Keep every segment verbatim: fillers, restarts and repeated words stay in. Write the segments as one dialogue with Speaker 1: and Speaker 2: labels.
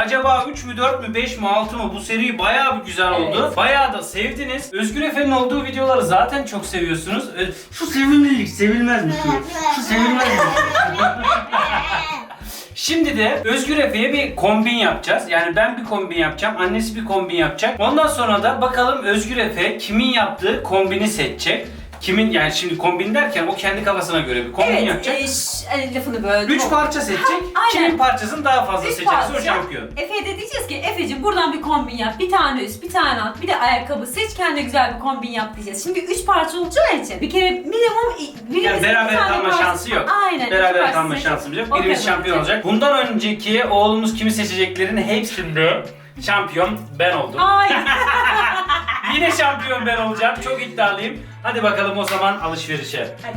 Speaker 1: Acaba üç mü, dört mü, beş mi, altı mı? Bu seri bayağı bir güzel oldu.
Speaker 2: Evet.
Speaker 1: Bayağı da sevdiniz. Özgür Efe'nin olduğu videoları zaten çok seviyorsunuz. Ee, Şu sevilmelik sevilmez mi? Şu, şu sevilmez mi? Şimdi de Özgür Efe'ye bir kombin yapacağız. Yani ben bir kombin yapacağım, annesi bir kombin yapacak. Ondan sonra da bakalım Özgür Efe kimin yaptığı kombini seçecek. Kimin, yani şimdi kombin derken o kendi kafasına göre bir kombin
Speaker 2: Evet,
Speaker 1: yapacak.
Speaker 2: e, ş- hani lafını böyle.
Speaker 1: Üç parça seçecek.
Speaker 2: aynen.
Speaker 1: Kimin parçasını daha fazla
Speaker 2: Üç
Speaker 1: seçerse o
Speaker 2: parça.
Speaker 1: şampiyon.
Speaker 2: Efe'ye de diyeceğiz ki Efe'cim buradan bir kombin yap. Bir tane üst, bir tane alt, bir de ayakkabı seç. Kendine güzel bir kombin yap diyeceğiz. Şimdi üç parça olacağı için bir kere minimum birimizin
Speaker 1: Yani
Speaker 2: bir
Speaker 1: beraber
Speaker 2: tane
Speaker 1: kalma
Speaker 2: parça-
Speaker 1: şansı yok.
Speaker 2: Aynen.
Speaker 1: Beraber
Speaker 2: iki
Speaker 1: kalma
Speaker 2: parça
Speaker 1: şansımız yok.
Speaker 2: seç.
Speaker 1: Birimiz
Speaker 2: O kadar
Speaker 1: şampiyon
Speaker 2: olacak.
Speaker 1: olacak. Bundan önceki oğlumuz kimi seçeceklerin hepsinde şampiyon ben oldum.
Speaker 2: Hayır.
Speaker 1: Yine şampiyon ben olacağım. Çok iddialıyım. Hadi bakalım o zaman alışverişe.
Speaker 2: Hadi.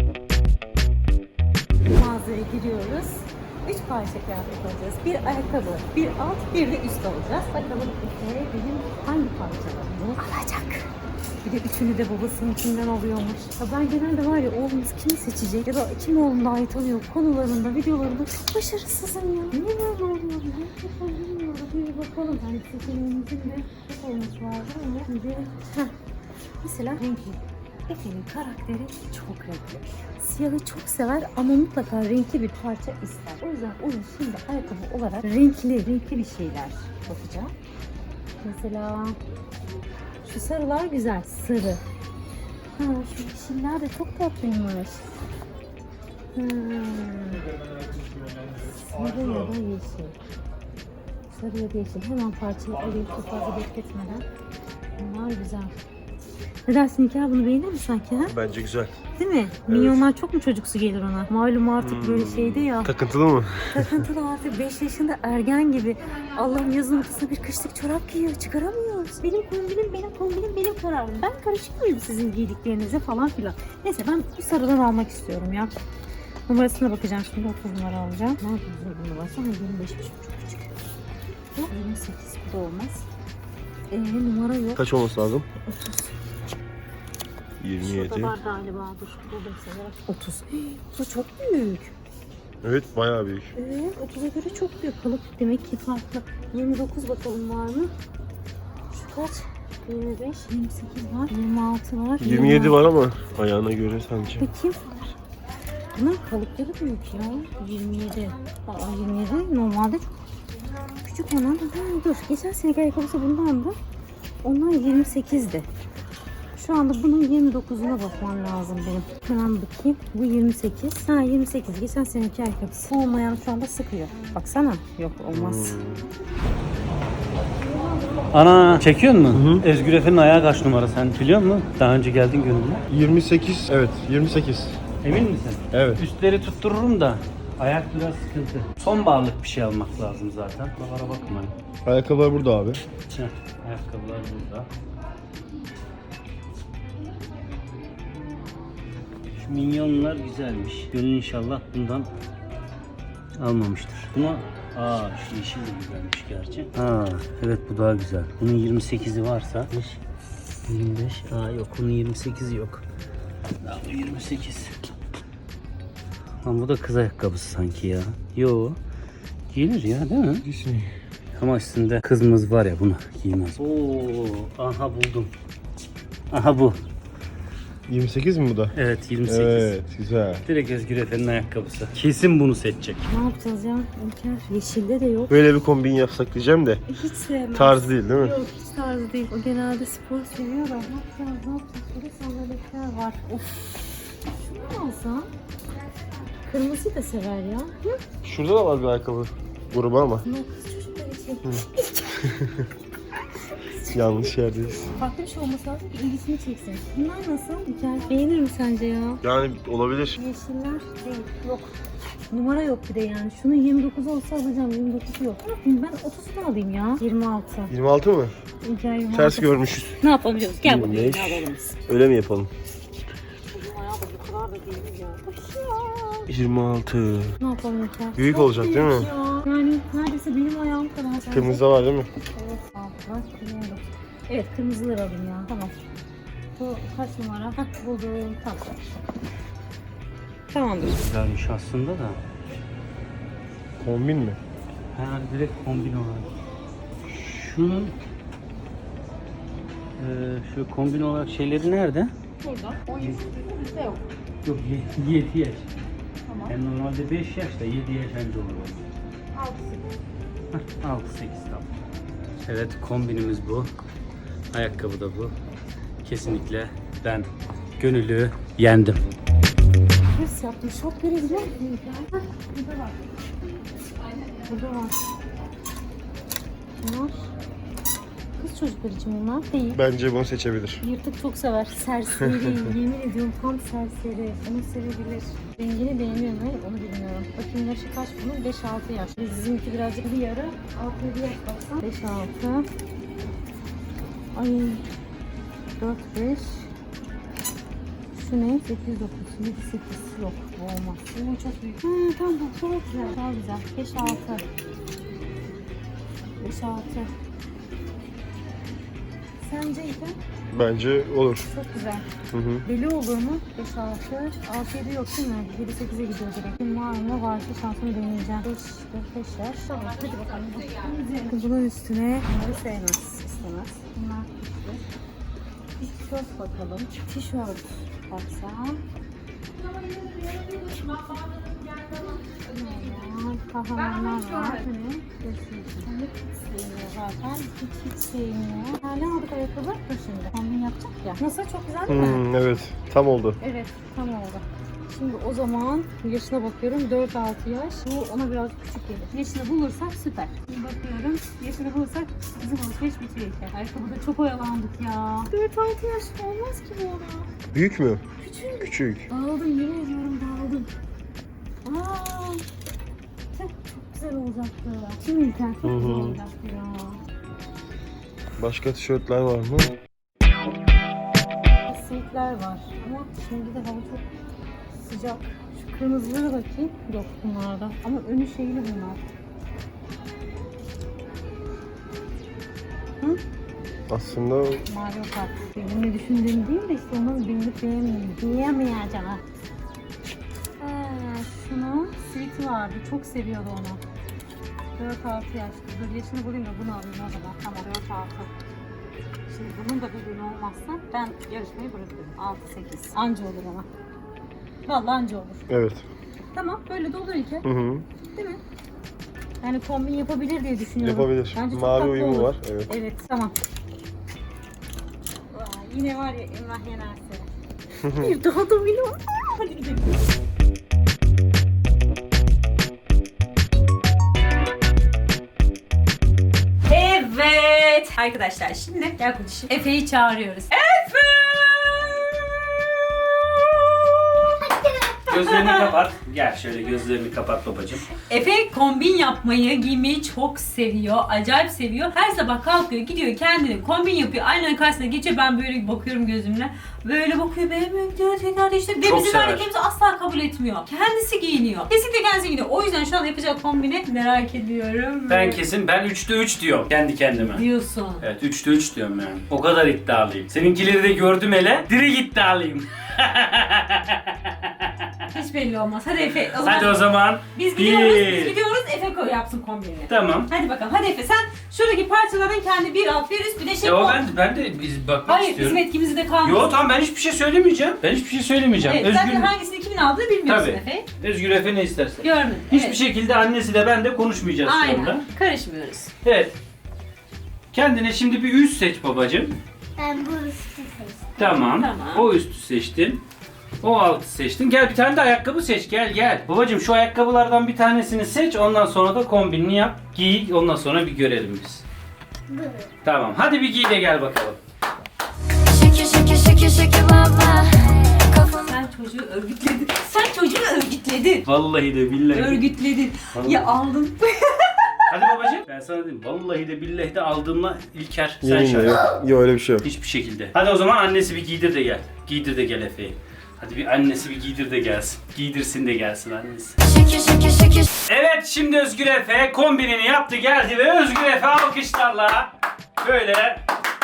Speaker 3: Mağazaya giriyoruz. Üç parça kıyafet alacağız. Bir ayakkabı, bir alt, bir de üst alacağız. Bakalım Efe benim hangi parçalarımı alacak? Bir de üçünü de babasınınkinden alıyormuş. Ya ben genelde var ya oğlumuz kimi seçecek ya da kim oğlum daha iyi tanıyor konularında, videolarında çok başarısızım ya. Niye böyle oluyor? Ne yapalım bilmiyorum. Bir bakalım. Yani seçeneğimizin de çok olması lazım ama şimdi heh. Mesela renkli. Efe'nin karakteri çok renkli. Siyahı çok sever ama mutlaka renkli bir parça ister. O yüzden onun şimdi ayakkabı olarak renkli, renkli bir şeyler bakacağım. Mesela şu sarılar güzel, sarı. Ha, şu yeşiller de çok tatlıymış. Hmm. Sarı ya da yeşil. Sarı ya da yeşil. Hemen parçayı alayım çok fazla bekletmeden. Bunlar güzel. Ne dersin Hikâr, bunu beğenir mi sanki ha?
Speaker 4: Bence güzel.
Speaker 3: Değil mi? Minyonlar çok mu çocuksu gelir ona? Malum artık böyle şeyde ya.
Speaker 4: Takıntılı mı?
Speaker 3: Takıntılı artık beş yaşında ergen gibi. Allah'ım yazın ortasında bir kışlık çorap giyiyor. Çıkaramıyoruz. Benim kombinim, benim kombinim, benim kararım. Ben karışık mıyım sizin giydiklerinize falan filan. Neyse ben bu sarıdan almak istiyorum ya. Numarasına bakacağım şimdi. otuz numara alacağım. Ne yapayım bu numarası? Ama yirmi beş çok küçük. Bu yirmi sekiz, bu da olmaz. Ee, numara yok.
Speaker 4: Kaç olması lazım?
Speaker 3: otuz.
Speaker 4: yirmi
Speaker 3: Şurada
Speaker 4: yedi.
Speaker 3: var galiba. Dur. Buldum sana. otuz. Bu çok büyük.
Speaker 4: Evet, bayağı büyük.
Speaker 3: Evet, otuza göre çok büyük. Kalıp demek ki farklı. yirmi dokuz bakalım var mı? Şu kaç? yirmi beş, yirmi sekiz var. yirmi altı var.
Speaker 4: yirmi yedi var ama ayağına göre sanki.
Speaker 3: Bakayım. Bunun kalıpları büyük ya. yirmi yedi. Aa, yirmi yedi normalde çok küçük olan. Ha, dur. Geçen seneki ayakkabısı bundan da. Onlar yirmi sekizdi. Şu anda bunun yirmi dokuzuna bakmam lazım benim. Hemen bakayım. Bu yirmi sekiz. Ha yirmi sekiz. Geçen seneki ayakkabısı. Olmayan şu anda sıkıyor. Baksana. Yok olmaz.
Speaker 1: Ana çekiyor mu?
Speaker 4: Hı.
Speaker 1: Özgür Efe'nin ayağı kaç numara sen biliyor musun? Daha önce geldin gönlüne.
Speaker 4: yirmi sekiz. Evet, yirmi sekiz.
Speaker 1: Emin misin?
Speaker 4: Evet.
Speaker 1: Üstleri tuttururum da ayak biraz sıkıntı. Sonbaharlık bir şey almak lazım zaten. Buralara bakmayın.
Speaker 4: Ayakkabılar burada abi.
Speaker 1: Heh, ayakkabılar burada. Şu minyonlar güzelmiş. Gönül inşallah bundan almamıştır. Buna aa şu yeşil de güzelmiş gerçi. Ha evet bu daha güzel. Bunun yirmi sekizi varsa yirmi beş. Aa yok bunun yirmi sekizi yok. Daha bu yirmi sekiz. Lan bu da kız ayakkabısı sanki ya. Yo. Giyilir ya değil mi?
Speaker 4: Disney.
Speaker 1: Ama üstünde kızımız var ya bunu giymez. Oo, aha buldum. Aha bu.
Speaker 4: yirmi sekiz mi bu da?
Speaker 1: Evet yirmi sekiz.
Speaker 4: Evet, güzel.
Speaker 1: Direkt Özgür Efe'nin ayakkabısı. Kesin bunu seçecek.
Speaker 3: Ne yapacağız ya? İlker yeşilde de yok.
Speaker 4: Böyle bir kombin yapsak diyeceğim de
Speaker 3: Hiç sevmem.
Speaker 4: tarz değil değil mi?
Speaker 3: Yok hiç tarzı değil. O genelde spor seviyor da. Ne yapacağız? Ne yapacağız? Burada sandaletler var. Of. Şunu mu alsam? Kırmızıyı da sever ya. Hı?
Speaker 4: Şurada da var bir ayakkabı grubu ama
Speaker 3: Bunlar kız çocuklar için.
Speaker 4: yanlış yerdeyiz.
Speaker 3: Farklı bir şey olması lazım ki ilgisini çeksin. Bunlar nasıl? Güzel. Beğenir mi sence ya?
Speaker 4: Yani olabilir.
Speaker 3: Yeşiller değil. Yok. Numara yok bir de yani. Şunun yirmi dokuz olsa alacağım. yirmi dokuz yok. Ne yapayım ben otuzunu alayım ya. yirmi altı.
Speaker 4: yirmi altı mı?
Speaker 3: İlker yirmi altı.
Speaker 4: Ters görmüşüz.
Speaker 3: Ne yapabiliyoruz? Gel buraya.
Speaker 4: yirmi beş.
Speaker 3: Ne alalım biz?
Speaker 4: Öyle mi yapalım?
Speaker 3: Bizim ayağı da bu kadar da değil ya.
Speaker 4: yirmi altı.
Speaker 3: Ne yapalım İlker?
Speaker 4: Büyük
Speaker 3: Çok
Speaker 4: olacak değil mi?
Speaker 3: büyük ya. Yani neredeyse benim ayağım kadar. Sence?
Speaker 4: Kırmızıda var değil mi?
Speaker 3: Evet. Altı. Bilmiyorum. Evet kırmızıları alayım ya. Tamam. Bu kaç numara? Hah buldum. Tamam. Tamamdır.
Speaker 1: Güzelmiş aslında da.
Speaker 4: Kombin mi?
Speaker 1: Ha, direkt kombin olarak. Şunun e, şu kombin olarak şeyleri nerede?
Speaker 3: Burada. on yaş üstü bizde yok.
Speaker 1: Yok yedi yaş.
Speaker 3: Tamam.
Speaker 1: Yani normalde beş yaş da yedi yaş önce olur.
Speaker 3: altı sekiz.
Speaker 1: altı sekiz tamam. Evet kombinimiz bu. Ayakkabı da bu. Kesinlikle ben gönüllü yendim.
Speaker 3: Hırs yaptım. Şok verebilir miyim? Burada var. Burada var. Bunlar kız çocuklar için bunlar değil.
Speaker 4: Bence bunu seçebilir.
Speaker 3: Yırtık çok sever. Serseri. Yemin ediyorum tam serseri. Onu sevebilir. Rengini beğeniyor mu? Onu bilmiyorum. Bakayım yaşı kaç bunun? beş altı yaş. Bizimki birazcık bir yarı. altı yedi yaş baksan. beş altı. Ay. dört beş. Şu ne? sekiz dokuz. yedi sekiz. Yok bu olmaz. Bu çok büyük. Ha, tamam bu çok güzel. Daha güzel. beş altı. beş altı. Sence İlkan?
Speaker 4: Bence olur.
Speaker 3: Çok güzel.
Speaker 4: Hı hı.
Speaker 3: Beli olur mu? beş altı. altı yedi yok değil mi? yedi sekize gidiyor direkt. Kim var mı? Varsa şansımı deneyeceğim. beş dört beş yaş. Tamam hadi bakalım. Bunun üstüne bunları sevmez. İstemez. Bunlar bir tişört bakalım. Tişört baksam. Kahramanlar var. Hani göstereyim. Hiç sevmiyor zaten. Hiç hiç sevmiyor. Ha, ne aldık ayakkabı? Dur şimdi. Kombin yapacak ya. Nasıl? Çok güzel değil mi?
Speaker 4: Hmm, evet. Tam oldu.
Speaker 3: Evet. Tam oldu. Şimdi o zaman yaşına bakıyorum. dört altı yaş. Bu ona biraz küçük gelir. Yaşını bulursak süper. Şimdi bakıyorum. Yaşını bulursak bizim alışveriş bitiyor işte. Ayakkabıda çok oyalandık ya. dört altı yaş olmaz ki bu ona.
Speaker 4: Büyük mü?
Speaker 3: Küçük.
Speaker 4: Küçük.
Speaker 3: Dağıldım. Yemin ediyorum dağıldım. Aa, tüh, çok güzel olacaktı. Şimdi İlker çok
Speaker 4: Hı hı.
Speaker 3: güzel olacaktı ya.
Speaker 4: Başka tişörtler var mı?
Speaker 3: Sivitler var ama şimdi de hava çok sıcak. Şu kırmızılara bakayım. Yok bunlarda. Ama önü şeyli bunlar. Hı?
Speaker 4: Aslında
Speaker 3: Mario Kart. Benim ne düşündüğüm değil de işte onun beğenip beğenmeyeceğim. Diyemeyeceğim. Ha, şunu siviti vardı. Çok seviyordu onu. dört altı yaş. Dur yaşını bulayım da bunu alayım o zaman. Tamam dört altı. Şimdi bunun da bedeni olmazsa ben yarışmayı bırakıyorum. altı sekiz. Anca olur ama. Vallahi anca olur.
Speaker 4: evet.
Speaker 3: Tamam böyle de olur İlker.
Speaker 4: Hı hı.
Speaker 3: Değil mi? Yani kombin yapabilir diye düşünüyorum.
Speaker 4: Yapabilir.
Speaker 3: Bence çok
Speaker 4: Mavi
Speaker 3: tatlı
Speaker 4: uyumu
Speaker 3: olur.
Speaker 4: var. Evet.
Speaker 3: Evet tamam. Vay, yine var ya Emrah yenerse. Bir daha da biliyorum. Hadi gidelim.
Speaker 2: Evet arkadaşlar şimdi gel konuşayım. Efe'yi çağırıyoruz. Efe!
Speaker 1: Gözlerini kapat. Gel şöyle gözlerini kapat babacığım.
Speaker 2: Efe kombin yapmayı, giymeyi çok seviyor. Acayip seviyor. Her sabah kalkıyor, gidiyor kendini kombin yapıyor. Aynanın karşısına geçiyor. Ben böyle bakıyorum gözümle. Böyle bakıyor, beğenmiyor diyor. Tekrar değiştiriyor. Ve
Speaker 1: Çok
Speaker 2: bizim
Speaker 1: sever.
Speaker 2: hareketimizi asla kabul etmiyor. Kendisi giyiniyor. Kesinlikle kendisi giyiniyor. O yüzden şu an yapacak kombini merak ediyorum.
Speaker 1: Ben kesin ben üçte üç diyorum kendi kendime.
Speaker 2: Diyorsun.
Speaker 1: Evet üçte üç diyorum yani. O kadar iddialıyım. Seninkileri de gördüm hele. Direkt iddialıyım.
Speaker 2: Hiç belli olmaz. Hadi Efe. O zaman
Speaker 1: Hadi o zaman.
Speaker 2: biz gidiyoruz.
Speaker 1: Bir.
Speaker 2: Biz gidiyoruz. Efe koy yapsın kombini.
Speaker 1: Tamam.
Speaker 2: Hadi bakalım. Hadi Efe sen şuradaki parçalardan kendi bir alt bir üst bir de şey
Speaker 1: E o
Speaker 2: koy.
Speaker 1: ben, ben de biz bakmak
Speaker 2: Hayır
Speaker 1: istiyorum.
Speaker 2: bizim etkimizde de kalmasın.
Speaker 1: Yo tamam ben hiçbir şey söylemeyeceğim. Ben hiçbir şey söylemeyeceğim.
Speaker 2: Evet,
Speaker 1: Özgür,
Speaker 2: zaten hangisini kimin aldığını bilmiyorsun
Speaker 1: Tabii.
Speaker 2: Efe.
Speaker 1: Özgür Efe ne isterse.
Speaker 2: Görmedim.
Speaker 1: Hiçbir
Speaker 2: evet.
Speaker 1: şekilde annesi de ben de konuşmayacağız şu anda.
Speaker 2: Aynen. Karışmıyoruz.
Speaker 1: Evet. Kendine şimdi bir üst seç babacığım.
Speaker 5: Ben bu üstü seçtim.
Speaker 1: Tamam.
Speaker 2: Tamam.
Speaker 1: O üstü seçtin. O altı seçtin. Gel bir tane de ayakkabı seç. Gel gel. Babacığım şu ayakkabılardan bir tanesini seç. Ondan sonra da kombinini yap. Giy. Ondan sonra bir görelim biz.
Speaker 5: Bu.
Speaker 1: Tamam. Hadi bir giy de gel bakalım.
Speaker 5: Şeke şeke şeke şeke baba. Kafam
Speaker 2: Sen çocuğu örgütledin. Sen çocuğu örgütledin.
Speaker 1: Vallahi de billahi. de.
Speaker 2: Örgütledin.
Speaker 1: Vallahi.
Speaker 2: Ya aldın.
Speaker 1: Hadi babacığım. Ben sana diyeyim. Vallahi de billahi de aldığımla İlker. Sen
Speaker 4: Yeminle
Speaker 1: şahit.
Speaker 4: yok. Yok öyle bir şey yok.
Speaker 1: Hiçbir şekilde. Hadi o zaman annesi bir giydir de gel. Giydir de gel Efe'yi. Hadi bir annesi bir giydir de gelsin. Giydirsin de gelsin annesi.
Speaker 5: şeke şeke şeke.
Speaker 1: Evet şimdi Özgür Efe kombinini yaptı geldi ve Özgür Efe alkışlarla böyle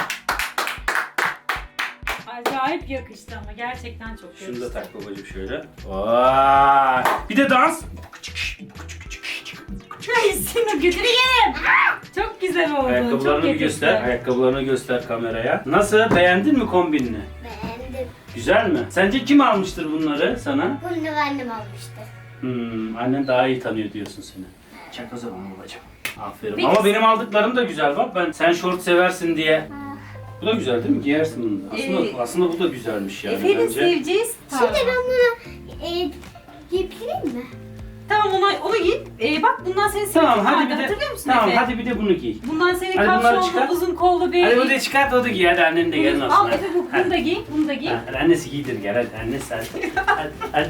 Speaker 2: Acayip yakıştı ama gerçekten çok yakıştı.
Speaker 1: şunu da tak babacığım şöyle. Vay. Bir de dans.
Speaker 2: Neyse. şunu götüreyim. Çok güzel oldu.
Speaker 1: Ayakkabılarını
Speaker 2: çok
Speaker 1: bir göster.
Speaker 2: yakıştı.
Speaker 1: Ayakkabılarını göster kameraya. Nasıl? Beğendin mi kombinini?
Speaker 5: Beğendim.
Speaker 1: Güzel mi? Sence kim almıştır bunları sana?
Speaker 5: Bunu da annem almıştı.
Speaker 1: Hmm, annen daha iyi tanıyor diyorsun seni. Çak o zaman babacığım. Aferin.
Speaker 2: Peki.
Speaker 1: Ama benim aldıklarım da güzel bak. Ben sen şort seversin diye. Bu da güzel değil mi? Giyersin bunu da. Aslında,
Speaker 2: Ee,
Speaker 1: aslında bu da güzelmiş yani
Speaker 2: Efe'nin
Speaker 1: bence.
Speaker 2: seveceği
Speaker 5: Şimdi ben bunu e, yiyebilir mi?
Speaker 2: Tamam onu, onu giy. Ee, bak bundan senin
Speaker 1: Tamam
Speaker 2: sivitin
Speaker 1: hadi
Speaker 2: vardı.
Speaker 1: bir de
Speaker 2: Hatırlıyor musun
Speaker 1: tamam
Speaker 2: Efe?
Speaker 1: hadi bir de bunu giy.
Speaker 2: Bundan senin
Speaker 1: Hadi bunları
Speaker 2: kapşonlu
Speaker 1: çıkar.
Speaker 2: uzun kollu bir...
Speaker 1: Hadi bunu da çıkart o da giy hadi annen de gelin
Speaker 2: Bunu-
Speaker 1: olsun.
Speaker 2: Al Efe bu, bunu da giy. Bunu da giy.
Speaker 1: Ha, hadi annesi giydir gel hadi annesi hadi. hadi, hadi.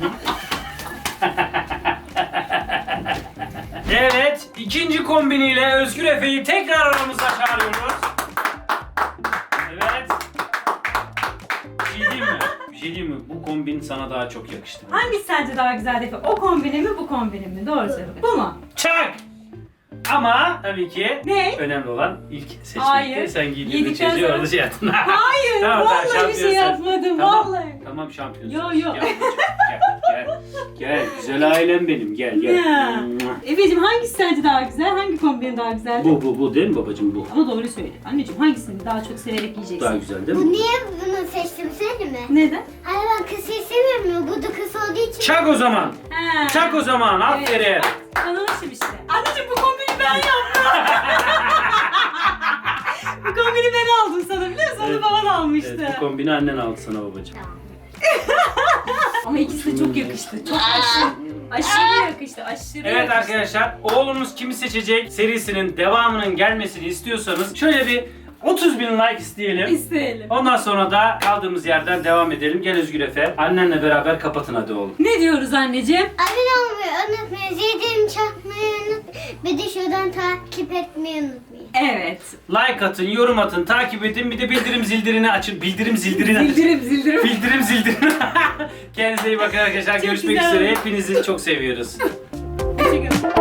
Speaker 1: Evet ikinci kombiniyle Özgür Efe'yi tekrar aramıza çağırıyoruz. Evet. Bir şey diyeyim mi? Bir şey diyeyim mi? Bu kombin sana daha çok yakıştı.
Speaker 2: Hangisi sence daha güzel Efe? O kombini mi bu kombini mi? Doğru söyle. Bu mu?
Speaker 1: Çak! Ama tabii ki
Speaker 2: Ne?
Speaker 1: önemli olan ilk seçmekti.
Speaker 2: Hayır.
Speaker 1: Sen giydiğinde
Speaker 2: Yedikten
Speaker 1: çocuğu
Speaker 2: sonra-
Speaker 1: orada şey yaptın.
Speaker 2: Hayır,
Speaker 1: Tamam, tamam,
Speaker 2: vallahi bir
Speaker 1: şampiyon
Speaker 2: şey
Speaker 1: sen.
Speaker 2: yapmadım,
Speaker 1: Tamam,
Speaker 2: vallahi.
Speaker 1: Tamam şampiyonsun.
Speaker 2: Yo, yo.
Speaker 1: Gel, babacığım, gel, gel, gel. Güzel ailem benim. Gel gel.
Speaker 2: Ya. Efe'cim hangisi sence daha güzel? Hangi kombin daha güzel?
Speaker 1: Bu bu bu değil mi babacığım bu?
Speaker 2: Ama doğru söyle. Anneciğim hangisini daha çok severek giyeceksin?
Speaker 1: Daha güzel değil
Speaker 5: Bu
Speaker 1: mi?
Speaker 5: niye bunu seçtim söyle mi?
Speaker 2: Neden?
Speaker 5: Hani ben kısa istemiyorum ya. Bu da kısa olduğu için.
Speaker 1: Çak o zaman.
Speaker 2: Ha.
Speaker 1: Çak o zaman. Aferin.
Speaker 2: Evet, bak, tanımışım işte. Anneciğim bu kombini ben yaptım. Bu kombini ben aldım sana biliyor musun?
Speaker 1: Evet.
Speaker 2: Onu baban almıştı.
Speaker 1: Evet, bu kombini annen aldı sana babacığım.
Speaker 2: Ama ikisi de çok yakıştı. Çok aşırı, aşırı yakıştı. Aşırı
Speaker 1: Evet
Speaker 2: yakıştı.
Speaker 1: arkadaşlar, oğlumuz kimi seçecek serisinin devamının gelmesini istiyorsanız şöyle bir otuz bin like isteyelim.
Speaker 2: İsteyelim.
Speaker 1: Ondan sonra da kaldığımız yerden devam edelim. Gel Özgür Efe. Annenle beraber kapatın hadi oğlum.
Speaker 2: Ne diyoruz anneciğim?
Speaker 5: Abone olmayı unutmayın. Zillerimi çakmayı unutmayın. Bir de şuradan takip etmeyi unutmayın.
Speaker 2: Evet.
Speaker 1: Like atın, yorum atın, takip edin. Bir de bildirim zildirini açın. Bildirim zildirini açın.
Speaker 2: Zildirim zildirim.
Speaker 1: Bildirim zildirini. Kendinize iyi bakın arkadaşlar.
Speaker 2: Çok
Speaker 1: Görüşmek
Speaker 2: güzel.
Speaker 1: üzere. Hepinizi çok seviyoruz.
Speaker 2: Teşekkür ederim.